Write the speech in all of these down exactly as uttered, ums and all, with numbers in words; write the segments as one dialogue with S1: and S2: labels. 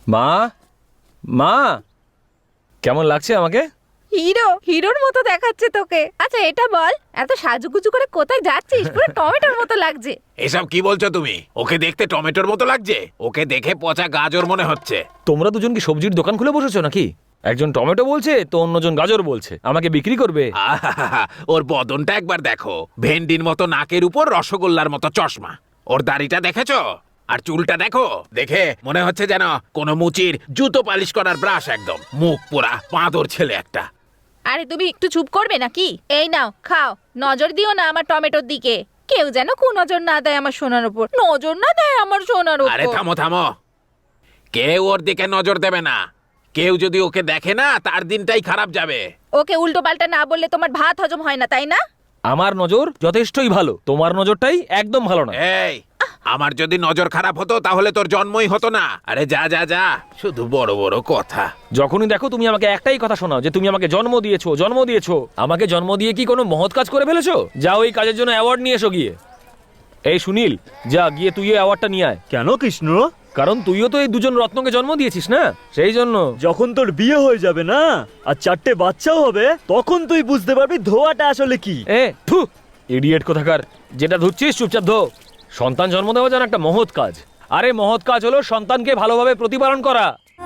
S1: মা মা কেমন লাগছে আমাকে?
S2: হিরো হিরোর মতো দেখাচ্ছে তোকে। আচ্ছা এটা বল, এত সাজুগুজু করে কোথায় যাচ্ছিস? পুরো টমেটোর মতো লাগছে।
S3: এসব কি বলছো তুমি? ওকে দেখতে টমেটোর মতো লাগছে? ওকে দেখে পচা গাজর মনে হচ্ছে।
S1: তোমরা দুজন কি সবজির দোকান খুলে বসেছো নাকি? একজন টমেটো বলছে তো অন্যজন গাজর বলছে আমাকে বিক্রি করবে।
S3: আহাহাহা, ওর বদনটা একবার দেখো, ভেন্ডির মতো নাকের উপর রসগোল্লার মতো চশমা। ওর দাড়িটা দেখেছো? আর চুলটা দেখো, দেখে মনে হচ্ছে যেন কোনো মুচির জুতো পালিশ করার ব্রাশ। একদম মুখ পোড়া বাঁদর ছেলে একটা।
S2: আরে তুমি একটু চুপ করবে নাকি? এই নাও খাও, নজর দিও না আমার টমেটোর দিকে। কেউ যেন কু নজর না দেয় আমার সোনার উপর, নজর না দেয় আমার সোনার উপর।
S3: আরে থামো থামো, কেউ ওর দিকে নজর দেবে না। কেউ যদি ওকে দেখে না, তার দিনটাই খারাপ যাবে।
S2: ওকে উল্টো পাল্টা না বললে তোমার ভাত হজম হয় না, তাই না?
S1: আমার নজর যথেষ্টই ভালো, তোমার নজরটাই একদম ভালো না।
S3: এই, আমার যদি নজর খারাপ হতো তাহলে তোর জন্মই হতো না। আরে যা যা যা, শুধু বড় বড় কথা।
S1: যখনই দেখো তুমি আমাকে একটাই কথা শোনাও যে তুমি আমাকে জন্ম দিয়েছো জন্ম দিয়েছো। আমাকে জন্ম দিয়ে কি কোনো মহৎ কাজ করে ফেলেছো? যাও ওই কাজের জন্য অ্যাওয়ার্ড নিয়ে এসো গিয়ে। এই সুনীল, যা গিয়ে তুই অ্যাওয়ার্ডটা নিয়ে আয়।
S4: কেন কৃষ্ণ?
S1: কারণ তুইও তো এই দুজন রত্নকে জন্ম দিয়েছিস না, সেই জন্য।
S4: যখন তোর বিয়ে হয়ে যাবে না আর চারটে বাচ্চাও হবে, তখন তুই বুঝতে পারবি ধোয়াটা আসলে কি।
S1: এ থু, ইডিয়েট কোথাকার। যেটা ধুচ্ছিস চুপচাপ ধো। সন্তান জন্ম দেওয়া যেন একটা মহৎ কাজ। আরে মহৎ কাজ হলো সন্তানকে ভালোভাবে প্রতিপালন করা।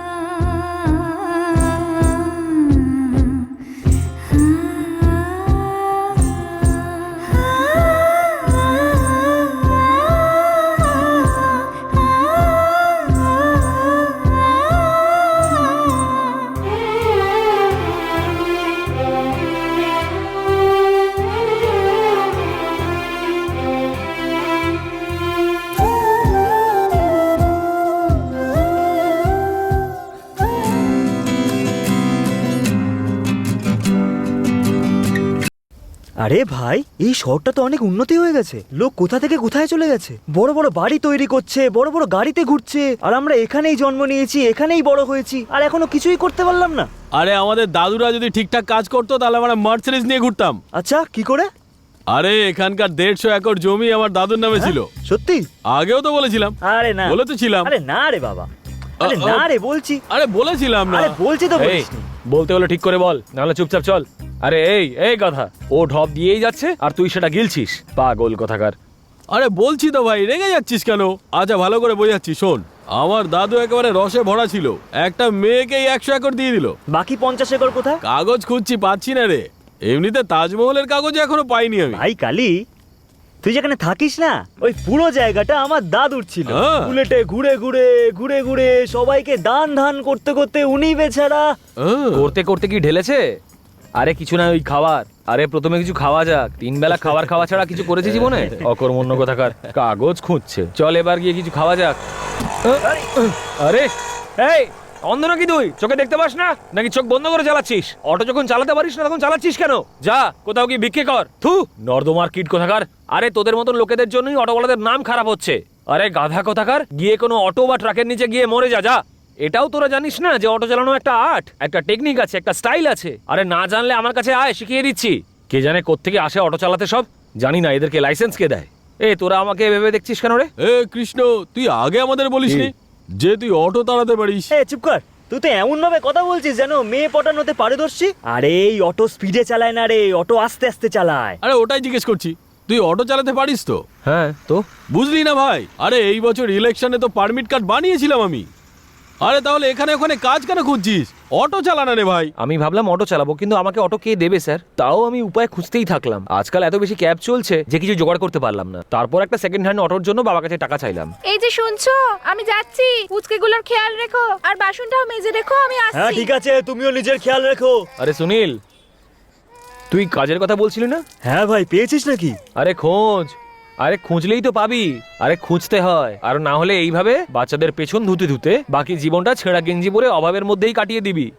S4: আরে ভাই, এই শহরটা তো অনেক উন্নতি হয়ে গেছে। লোক কোথা থেকে কোথায় চলে গেছে, বড় বড় বাড়ি তৈরি করছে, বড় বড় গাড়িতে ঘুরছে। আর আমরা এখানেই জন্ম নিয়েছি, এখানেই বড় হয়েছি, আর এখনো কিছুই করতে পারলাম না।
S5: আরে আমাদের দাদুরা যদি ঠিকঠাক কাজ করতো তাহলে আমরা মার্সিডিজ নিয়ে ঘুরতাম।
S4: আচ্ছা কি করে?
S5: আরে এখানকার দেড়শো একর জমি আমার দাদুর নামে ছিল।
S4: সত্যি?
S5: আগেও তো বলেছিলাম।
S4: আরে না,
S5: বলে তো ছিলাম।
S4: আরে না রে বাবা, আরে না রে বলছি।
S5: আরে বলেছিলাম না।
S4: আরে বলছি তো
S1: এই
S4: বলিসনি।
S1: বলতে হলে ঠিক করে বল, নাহলে চুপচাপ চল। আরে এই এই কথা, ও ঢপ দিয়েই যাচ্ছে আর তুই সেটা গিলছিস, পাগল কোথাকার।
S5: আরে বলছি তো ভাই, রেগে যাচ্ছিস কেন? আচ্ছা ভালো করে বোঝাচ্ছি শোন। আমার দাদু একেবারে রসে ভরা ছিল, একটা মেয়েকেই একশো একর দিয়ে দিল।
S4: বাকি পঞ্চাশ একর কোথায়?
S5: কাগজ খুঁজছি, পাচ্ছি না রে। এমনিতে তাজমহলের কাগজ এখনো পাইনি আমি।
S4: ভাই কালি, তুই যেখানে থাকিস না, ওই পুরো জায়গাটা আমার দাদুর ছিল।
S5: হ্যাঁ।
S4: বুলেটে ঘুরে ঘুরে ঘুরে ঘুরে সবাইকে দান ধান করতে করতে উনি বেচারা।
S5: আহ,
S1: করতে করতে কি ঢেলেছে? আরে কিছু না, ওই খাবার। আরে প্রথমে কিছু খাওয়া যাক, তিন বেলা খাবার খাওয়া ছাড়া কিছু করেছে জীবনে? অকর্মণ্য কোথাকার, কাগজ খুঁজছে। চল এবার গিয়ে কিছু খাওয়া যাক। আরে এই অন্ধ নাকি তুই? চোখে দেখতে পাস না নাকি চোখ বন্ধ করে চালাচ্ছিস? অটো যখন চালাতে পারিস না তখন চালাচ্ছিস কেন? যা কোথাও গিয়ে ভিক্ষে কর। থু, নর্দমার কিট কোথাকার। আরে তোদের মতন লোকেদের জন্যই অটোওয়ালাদের নাম খারাপ হচ্ছে। আরে গাধা কোথাকার, গিয়ে কোনো অটো বা ট্রাকের নিচে গিয়ে মরে যা। যা। এটাও তোরা জানিস না যে অটো চালানো একটা আর্ট, একটা টেকনিক আছে, একটা স্টাইল আছে? আরে না জানলে আমার কাছে আয়, শিখিয়ে দিচ্ছি। কে জানে কোত্থেকে আসে অটো চালাতে সব, জানি না এদেরকে লাইসেন্স কে দেয়। এ তোরা আমাকে ভেবে দেখছিস কেন রে?
S5: এ কৃষ্ণ, তুই আগে আমাদের বলিসনি যে তুই অটো চালাতে পারিস?
S4: এ চুপ কর, তুই তো এমন ভাবে কথা বলছিস যেন মেয়ে পটানোতে পারদর্শী। আরে এই অটো স্পিডে চালায় না রে, অটো আস্তে আস্তে চালায়।
S5: আরে ওটাই জিজ্ঞেস করছি, তুই অটো চালাতে পারিস তো?
S1: হ্যাঁ তো
S5: বুঝলি না ভাই, আরে এই বছর ইলেকশনে তো পারমিট কার্ড বানিয়েছিলাম আমি। আরে তাহলে এখানে ওখানে কাজ কেন খুঁজছিস? অটো চালানা রে ভাই।
S1: আমি ভাবলাম অটো চালাবো, কিন্তু আমাকে অটো কে দেবে স্যার? তাও আমি উপায় খুঁজতেই থাকলাম। আজকাল এত বেশি ক্যাব চলছে যে কিছু জোগাড় করতে পারলাম না। তারপর একটা সেকেন্ড হ্যান্ড অটোর জন্য বাবার কাছে টাকা চাইলাম।
S2: এই যে শুনছো, আমি যাচ্ছি। পুচকেগুলোর খেয়াল রেখো, আর বাসনটাও মেজে রেখো, আমি
S4: হ্যাঁ
S2: আসছি।
S4: ঠিক আছে, তুমিও নিজের খেয়াল রেখো।
S1: আরে সুনীল, তুই কাজের কথা বলছিলি না?
S4: হ্যাঁ ভাই, পেয়েছিস নাকি?
S1: আরে খোঁজ, আরে খুঁজলেই তো পাবি। আরে খুঁজতে হয়, আর না হলে এইভাবে বাচ্চাদের পেছন ধুতে ধুতে বাকি জীবনটা ছেঁড়া গেঞ্জি পরে অভাবের মধ্যেই কাটিয়ে দিবি।